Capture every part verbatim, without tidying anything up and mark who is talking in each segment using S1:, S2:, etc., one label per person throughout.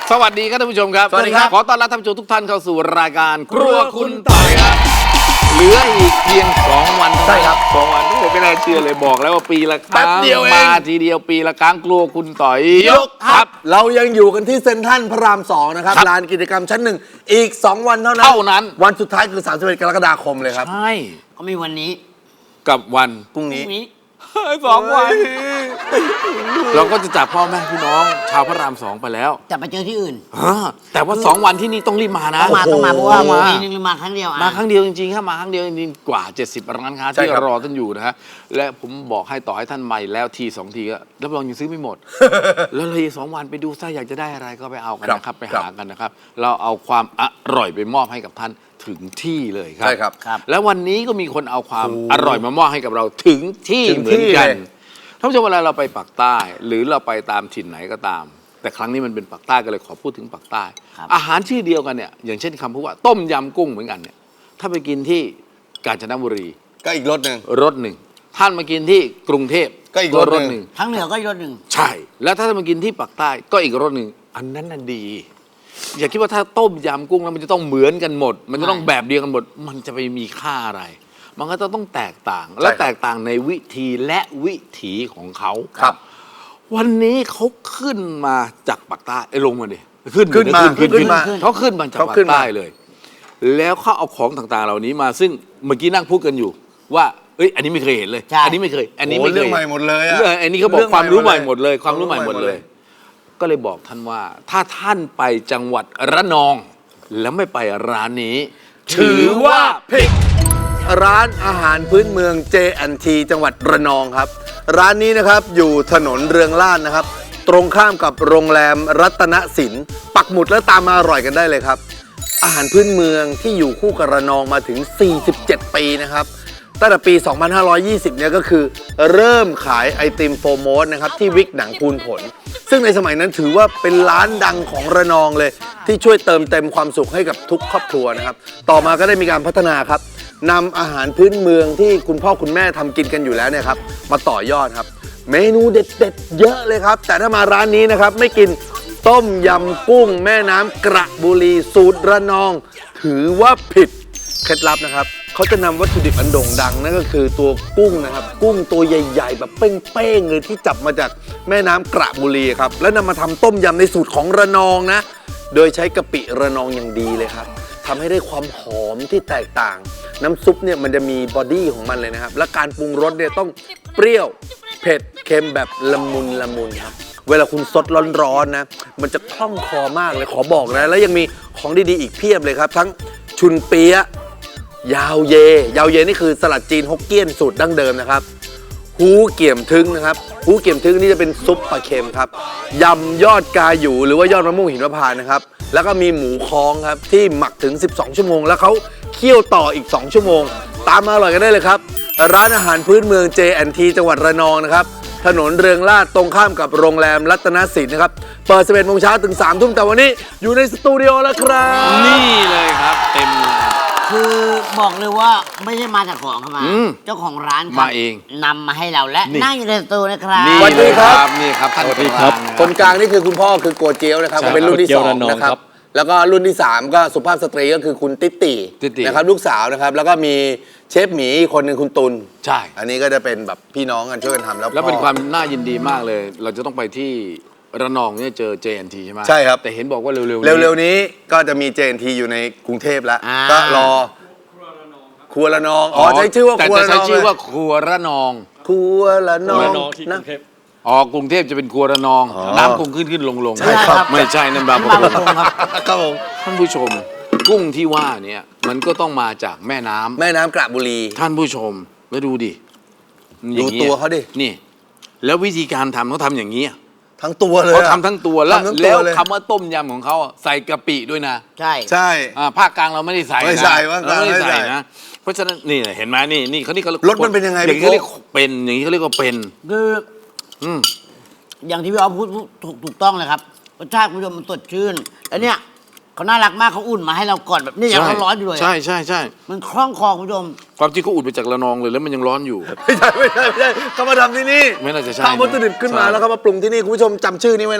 S1: สวัสดีครับท่านผู้ชมครับ
S2: สวัสดีครับ
S1: ขอต้อนรับท่านผู้ชมทุกท่านเข้าสู่รายการครัวคุณต่อยครับเหลืออีกเพียงสองวันใช่ครับสองวันทุกคนไม่น่าเชื่อเลยบอกแล้วว่าปีละครั้งมาทีเดียวปีละครั้งครัวคุณต่อยยกครับ
S2: เรายังอยู่กันที่เซ็นทรัลพระรามสองนะครับลานกิจกรรมชั้นหนึ่งอีกสองวันเท่านั้น
S1: เท่านั้น
S2: วันสุดท้ายคือสามสิบเอ็ดกรกฎาคมเลยครับ
S1: ใช่
S3: ก็มีวันนี้
S1: กับวัน
S2: พรุ่ง
S3: พ
S2: นี้
S3: รุ่งนี้
S1: สองวัน เราก็จะจากพ่อแม่พี่น้องชาวพระรามสองไปแล้ว
S3: จะไปเจอที่อื่น
S1: ฮะแต่ว่าสองวันที่นี่ต้องรีบมานะ
S3: ต้องมาต้องมาเพราะว่า
S1: มา
S3: ปีนึงมาครั้งเดียวอ่ะ
S1: มาครั้งเดียวจริงๆครับมาครั้งเดียวจริงๆกว่าเจ็ดสิบร้านค้า
S2: ใช่
S1: ที่
S2: ครับ
S1: รอท่านอยู่นะฮะและผมบอกให้ต่อให้ท่านใหม่แล้วทีสองทีก็รับรองยังซื้อไม่หมด แล้วเลยสองวันไปดูถ้าอยากจะได้อะไรก็ไปเอากันนะครับไปหากันนะครับเราเอาความอร่อยไปมอบให้กับท่านถึงที่เลยครับ
S2: ใช่ครับ
S3: ครับ
S1: แล้ววันนี้ก็มีคนเอาความ
S2: โอ้
S1: อร่อยมามอบให้กับเราถึงที่
S2: ถึง
S1: เหมือน
S2: ที่
S1: กัน
S2: เลย
S1: ท่านผู้ชมเวลาเราไปปากใต้ หรือเราไปตามถิ่นไหนก็ตาม แต่ครั้งนี้มันเป็นปากใต้ก็เลยขอพูดถึงปากใต้
S3: ครับ
S1: อาหารชื่อเดียวกันเนี่ยอย่างเช่นคำพูดว่าต้มยำกุ้งเหมือนกันเนี่ยถ้าไปกินที่กาญจนบุรี
S2: ก็อีกรถหนึ่ง
S1: รสหนึ่งท่านมากินที่กรุงเทพ
S2: ก็อีกรสหนึ่ง
S3: ทั้งเหนือก็อีกรถหนึ่ง
S1: ใช่ แล้วถ้าท่านมากินที่ปากใต้ก็อีกรสหนึ่งอันนั้นน่ะดี อย่าคิดว่าถ้าต้มยำกุ้งแล้วมันจะต้องเหมือนกันหมด มันจะต้องแบบเดียวกันหมด มันจะไปมีค่าอะไร มันก็ต้องแตกต่าง และแตกต่างในวิธีและวิถีของเขา
S2: ครับ
S1: วันนี้เขาขึ้นมาจากปากใต้ไอ้ยลงมาดิขึ้น
S2: ขึ้นมา
S1: ขึ้น
S2: ขึ้นมา
S1: เขาขึ้นมาจาก
S2: เขา
S1: ปา
S2: ขึ้
S1: ก
S2: นมา
S1: ใต้เลย แล้วเขาเอาของต่างๆ เหล่านี้มา ซึ่งเมื่อกี้นั่งพูดกันอยู่ ว่าเอ้ยอันนี้ไม่เคยเห็นเลย อันนี้ไม่เคย อันนี้ไม่เคย
S2: โอ้เรื่องใหม่หมดเลยอะ
S1: เรื่องอันนี้เขาบอก
S2: เรื่อง
S1: ความรู้
S2: ให
S1: ให
S2: ม่
S1: ม่
S2: ห
S1: ห
S2: ม
S1: ม
S2: ด
S1: ด
S2: เล
S1: เลย ย ความรู้ใหม่หมดเลย ก็เลยบอกท่านว่า ถ้าท่านไปจังหวัดระนอง แล้วไม่ไปร้านนี้ ถือว่าผิด
S2: ร้านอาหารพื้นเมือง เจ แอนด์ ที จังหวัดระนองครับ ร้านนี้นะครับอยู่ถนนเรืองล่านนะครับ ตรงข้ามกับโรงแรมรัตนสินปักหมุดแล้วตามมาอร่อยกันได้เลยครับ อาหารพื้นเมืองที่อยู่คู่กับระนองมาถึง สี่สิบเจ็ด ปีนะครับ ตั้งแต่ปี สองพันห้าร้อยยี่สิบ เนี่ยก็คือเริ่มขายไอติมโฟร์โมสนะครับที่วิกหนังพูนผล ซึ่งในสมัยนั้นถือว่าเป็นร้านดังของระนองเลย ที่ช่วยเติมเต็มความสุขให้กับทุกครอบครัวนะครับ ต่อมาก็ได้มีการพัฒนาครับนำอาหารพื้นเมืองที่คุณพ่อคุณแม่ทำกินกันอยู่แล้วเนี่ยครับมาต่อยอดครับ เมนูเด็ดๆเยอะเลยครับ แต่ถ้ามาร้านนี้นะครับไม่กินต้มยำกุ้งแม่น้ำกระบุรีสูตรระนอง ถือว่าผิดเคล็ดลับนะครับเขาจะนำวัตถุดิบอันโด่งดังนั่นก็คือตัวกุ้งนะครับกุ้งตัวใหญ่ๆ แบบเป้งๆเลยที่จับมาจากแม่น้ำกระบุรีครับแล้วนำมาทำต้มยำในสูตรของระนองนะโดยใช้กะปิระนองอย่างดีเลยครับทำให้ได้ความหอมที่แตกต่าง น้ำซุปเนี่ยมันจะมีบอดี้ของมันเลยนะครับและการปรุงรสเนี่ยต้องเปรี้ยวเผ็ดเค็มแบบละมุนละมุนครับเวลาคุณสดร้อนๆนะมันจะคล่องคอมากเลยขอบอกนะแล้วยังมีของดีๆอีกเพียบเลยครับทั้งชุนเปี๊ยะยาวเย ยาวเยนี่คือสลัดจีนฮกเกี้ยนสูตรดั้งเดิมนะครับฮูเกี่ยมทึงนะครับฮูเกี่ยมทึงนี่จะเป็นซุปปลาเค็มครับยำยอดกาหยูหรือว่ายอดมะม่วงหินมะพร้าวนะครับแล้วก็มีหมูค้องครับที่หมักถึงสิบสองชั่วโมงแล้วเขาเคี่ยวต่ออีกสองชั่วโมงตามมาอร่อยกันได้เลยครับร้านอาหารพื้นเมือง เจ แอนด์ ที จังหวัดระนองนะครับถนนเรืองลาดตรงข้ามกับโรงแรมรัตนสินนะครับเปิดสิบเอ็ดโมงเช้าถึงสามทุ่มแต่วันนี้อยู่ในสตูดิโอแล้วครับ
S1: นี่เลยครับ เต็มเลย
S3: คือบอกเลยว่าไม่ได้มาจากของเข้ามา
S1: อืม
S3: เจ้าของร้านครับ
S1: มาเอง
S3: นำมาให้เราและ
S1: นี่
S3: นั่งอยู่ในสตูนะครับ
S1: นี่
S2: สวัสดีครับ
S1: นี่ครับท่าน
S4: สวัสดีครับ
S1: ประธาน
S2: คนกลางนี่คือคุณพ่อคือโกเจียวนะครับ
S1: ใช่
S2: ก็เป็นรุ่นที่
S4: โกเจี
S2: ส
S4: ยว
S2: อง
S4: ระนอง
S2: นะครับ
S4: ครับ
S2: แล้วก็รุ่นที่สามก็สุภาพสตรีก็คือคุณติ๊ตติ
S1: ติ๊ตติ
S2: นะครับลูกสาวนะครับแล้วก็มีเชฟหมีอีกคนหนึ่งคุณตุล
S1: ใช่
S2: อันนี้ก็จะเป็นแบบพี่น้องกันช่วยกันทำแล้ว
S1: แล้วเป็น
S2: พ่อ
S1: ความน่ายินดีมากเลย เราจะต้องไปที่ระนองเนี่ยเจอ เจ แอนด์ ที ใช่ไหม
S2: ใช่ครับ
S1: แต่เห็นบอกว่าเร็วๆนี้
S2: เร็วๆนี้ก็จะมี เจ แอนด์ ที อยู่ในกรุงเทพแล้ว
S3: อ่า
S2: ก็รอครัวระนองอ๋อใช้ชื่อว่า
S1: แต่
S2: ครัว
S1: จะ
S2: ระน
S1: ใช้
S2: อง
S1: ชื่อว่า
S2: เลย
S1: ครัวระนอง
S2: ครัวระนอง
S4: ระนองที่กรุงเทพ
S1: อ๋อกรุงเทพจะเป็นครัวระนอง
S2: อ๋อ
S1: น้ำคงขึ้นขึ้นลงลง
S2: ใช่ครับ
S1: ไม่ใช่นั่นบางประ
S3: บาง
S1: ก
S3: ป
S1: ง
S3: ระกงครับ
S2: ครับผม
S1: ท่านผู้ชม กุ้งที่ว่าเนี่ยมันก็ต้องมาจากแม่น้ำ
S2: แม่น้ำกระบุรี
S1: ท่านผู้ชมแล้วดูดิอย่างงี้
S2: ดูตัวเขาดิ
S1: นี่ แล้ววิธีการทำเขาทำอย่างนี้
S2: ทั้งตัวเลย
S1: เขา
S2: อะ
S1: ทำทั้งตัวแล้ว
S2: ทำทั้งตั
S1: แล้ว
S2: เลย
S1: คำว่าต้มยำของเขาอะใส่กะปิด้วยนะ
S3: ใช่
S2: ใช่
S1: อ่าภาคกลางเราไม่ได้ใส่นะ
S2: ไม่ใส่ภาคกลาง
S1: เรไม่ได้
S2: ไม่ใส่
S1: ใส่นะเพราะฉะนั้นนี่เห็นไหมนี่นี่เขานี่เขา
S2: รสมันเป็นยังไง
S1: อย่างนี้
S2: พี่
S1: เขาเรียก
S2: โก้
S1: เป็นอย่างนี้เขาเรียกว่าเป็น
S3: คือ
S1: อืม
S3: อย่างที่พี่อ๊อฟพูดถูกถูกต้องเลยครับรสชาติคุณผู้ชมมันสดชื่นแล้วเนี่ยเขาน่ารักมากเขาอุ่นมาให้เราก่อนแบบนี่ยังร้อนๆอยู่เลยอะ
S1: ใช่ใช่ใช่
S3: มันคล่องคอคุณผู้ชม
S1: ความจริงเขาอุดมาจากระนองเลยแล้วมันยังร้อนอยู่
S2: ไม่ใช่ไม่ใช่ไม่ใช่เขามาทำที่นี่
S1: ไม่น่าจะใช่
S2: ทำวัตถุดิบขึ้นมา
S1: ใช่
S2: แล้วเขามาปรุงที่นี่คุณผู้ชมจำชื่อนี้ไว้นะฮะ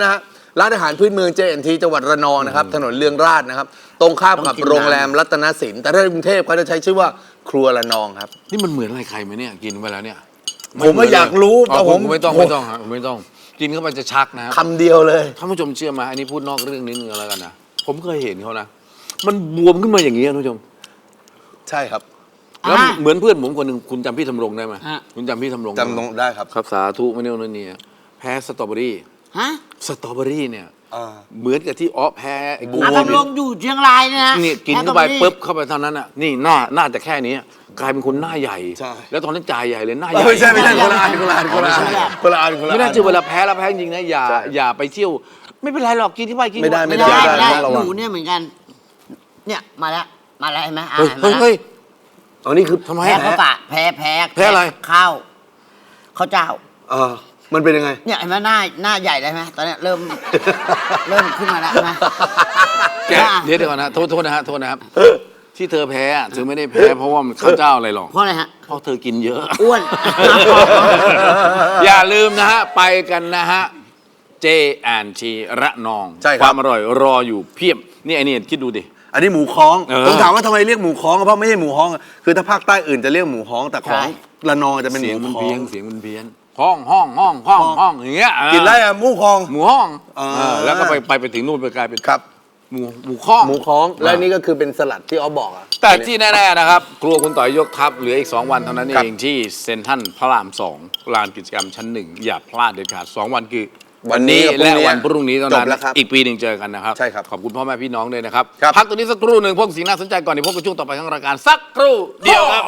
S2: ร้านอาหารพื้นเมือง เจ แอนด์ ที จังหวัดระนองนะครับถนนเรืองราษฎร์นะครับตรงข้ามกับโรงแรมรัตนสินแต่ถ้าในกรุงเทพเขาจะใช้ชื่อว่าครัวระนองครับ
S1: นี่มันเหมือนอะไรใครไหมเนี่ยกินไปแล้วเนี่ย
S2: ผมไม่อยากรู้
S1: อ๋อ
S2: แต่ผม
S1: ไม่ต้องไม่ต้องฮะไม่ต้องกินเข้าไปจะชักนะครับ
S2: คำเดียวเลย
S1: ท่านผู้ชมเชื่อไหมอันนี้พูดนอกเรื่องนิดนึงแล้วกันนะผมเคยเห็นเขานะมันบวมขึ้นมาอย่างนี้ท่านผู้ชม
S2: ใช่ครับ
S1: แล้ว
S3: อ่า
S1: เหมือนเพื่อนผมคนหนึ่งคุณจำพี่ทำรงได้ไหม
S3: ฮะ
S1: คุณจำพี่ทำรงได้
S2: จำ
S1: ไหม
S2: ตรงได้ครับ
S1: ครับสาธุไม่เนี่ยนั่นนี่แพ้สตรอเบอรี่
S3: ฮะ
S1: สตรอเบอรี่เนี่ย
S2: อ่า
S1: เหมือนกับที่ออฟแพ้ไอ้กู
S3: อาทำลงอยู่เชียงรายเนี่ยนะ
S1: นี่กินเข้าไปปุ๊บเข้าไปเท่านั้นอ่ะนี่หน้าหน้าจะแค่นี้กลายเป็นคนหน้าใหญ่
S2: ใช่
S1: แล้วตอนนั้นจ่ายใหญ่เลยหน้าใหญ่
S2: ไม่ใช่ไม่ใช่คนละอันคนละอันคนละอันคนละอันคนละอัน
S1: ไม่น่าเชื่อเวลาแพ้แล้วแพ้จริงนะอย่า
S2: ใช่
S1: อย่าไปเที่ยว ไม่เป็นไรหรอกกินที่ไปกิน
S2: ไม่ได้
S3: ไม่ได้
S2: ไม่
S3: ไม่
S2: ได้
S3: ได้
S2: ต้องระวัง
S3: หนูเนี่ยเหมือนกัน เนี่ยมาแล้วมาแล้วเห็นไหมอ่า
S1: เฮ้ย
S3: เห็นไหม
S1: เฮ้ยเฮ้ย
S2: อ๋อนี่คือ
S1: ทำไม
S3: แพ้
S1: อะ
S3: ข้าวสารแพ้แพ้
S1: แพ้อะไร
S3: ข้าวข้าวเจ้า
S2: เออมันเป็นยังไง
S3: เนี่ยเห็นไหมหน้าหน้าใหญ่เลยไหมตอนเนี้ยเริ่ม เริ่มขึ้นมาแล้วนะ
S1: แกเดี๋ยวเดี๋ยวก่อนนะโทษโทษนะฮะโทษนะครับที่เธอแพ้อะเธอไม่ได้แพ้เพราะว่ามันข้าวเจ้าอะไรหรอก
S3: เพราะอะไรฮะ
S1: เพราะเธอกินเยอะ
S3: อ้วน
S1: อย่าลืมนะฮะ ไปกันนะฮะ เจ แอนด์ ที ระนอง
S2: ใช่ครับ
S1: ความอร่อยรออยู่เพียบ นี่ไอ้นี่คิดดูดิ
S2: อันนี้หมูค้อง
S1: เออ
S2: ผมถามว่าทำไมเรียกหมูค้องเพราะไม่ใช่หมูฮ้องอะคือถ้าภาคใต้อื่นจะเรียกหมูฮ้องแต่ของ
S3: ใช่
S2: ระนองจะเป็นห
S1: เสียง
S2: มู
S1: มัน
S2: ค้อ
S1: เพี้ย
S2: ง
S1: นเสียงมันเพี้ยนห้องห้องห้องห้องห้องอย่างเงี้ยเออ
S2: กินได้อะหมูค้อง
S1: หมูห้อง
S2: อ่า
S1: เออแล้วก็ไปไปไปถึงนู่นไปกลายเป็น
S2: ครับ
S1: หมูหมูข้อง
S2: หมูค้องและนี่ก็คือเป็นสลัดที่ออฟบอกอะ
S1: แต่ที่แน่ๆนะครับ ครัวคุณต่อยยกทัพเหลืออีก สอง วันเท่านั้น
S2: ครับ
S1: เองที่เซ็นทรัลพระรามสองลานกิจกรรมชั้นหนึ่งอย่าพลาดเด็ดขาดสองวันคือ
S2: วันนี้กับพรุ่
S1: และ
S2: งนี้
S1: วันพรุ่งนี้เท่า
S2: จ
S1: นั้
S2: บ
S1: น
S2: แล้วครับ
S1: อีกปีหนึ่งเจอกันนะครับ
S2: ใช่ครับ
S1: ขอบคุณพ่อแม่พี่น้องด้วยนะครับ
S2: ครับ
S1: พักตัวนี้สักครู่หนึ่งพวกสิ่งน่าสนใจก่อนเดี๋ยวพบกับช่วงต่อไปของรายการสักครู่เดียวครับ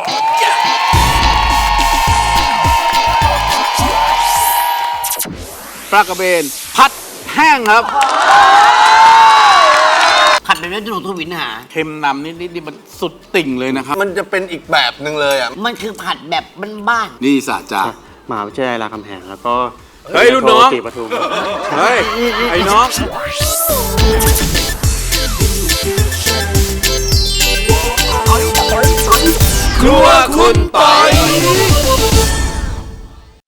S1: ปลากระเบนผัดแห้งครับ
S3: ขัดแบบนี้จะหนูทวินหา
S1: เค็มนำนิดๆนี่มันสุดติ่งเลยนะครับ
S2: มันจะเป็นอีกแบบหนึ่งเลยอ่ะ
S3: มันคือผัดแบบบ้าน
S1: นี่สาจาม
S4: หาวิทยาลัยรามคำแหงแล้วก็
S1: เฮ้ยรุ่นน้อง
S4: ศรีปทุม
S1: เฮ้ยไอ้น้องครัวคุณปอย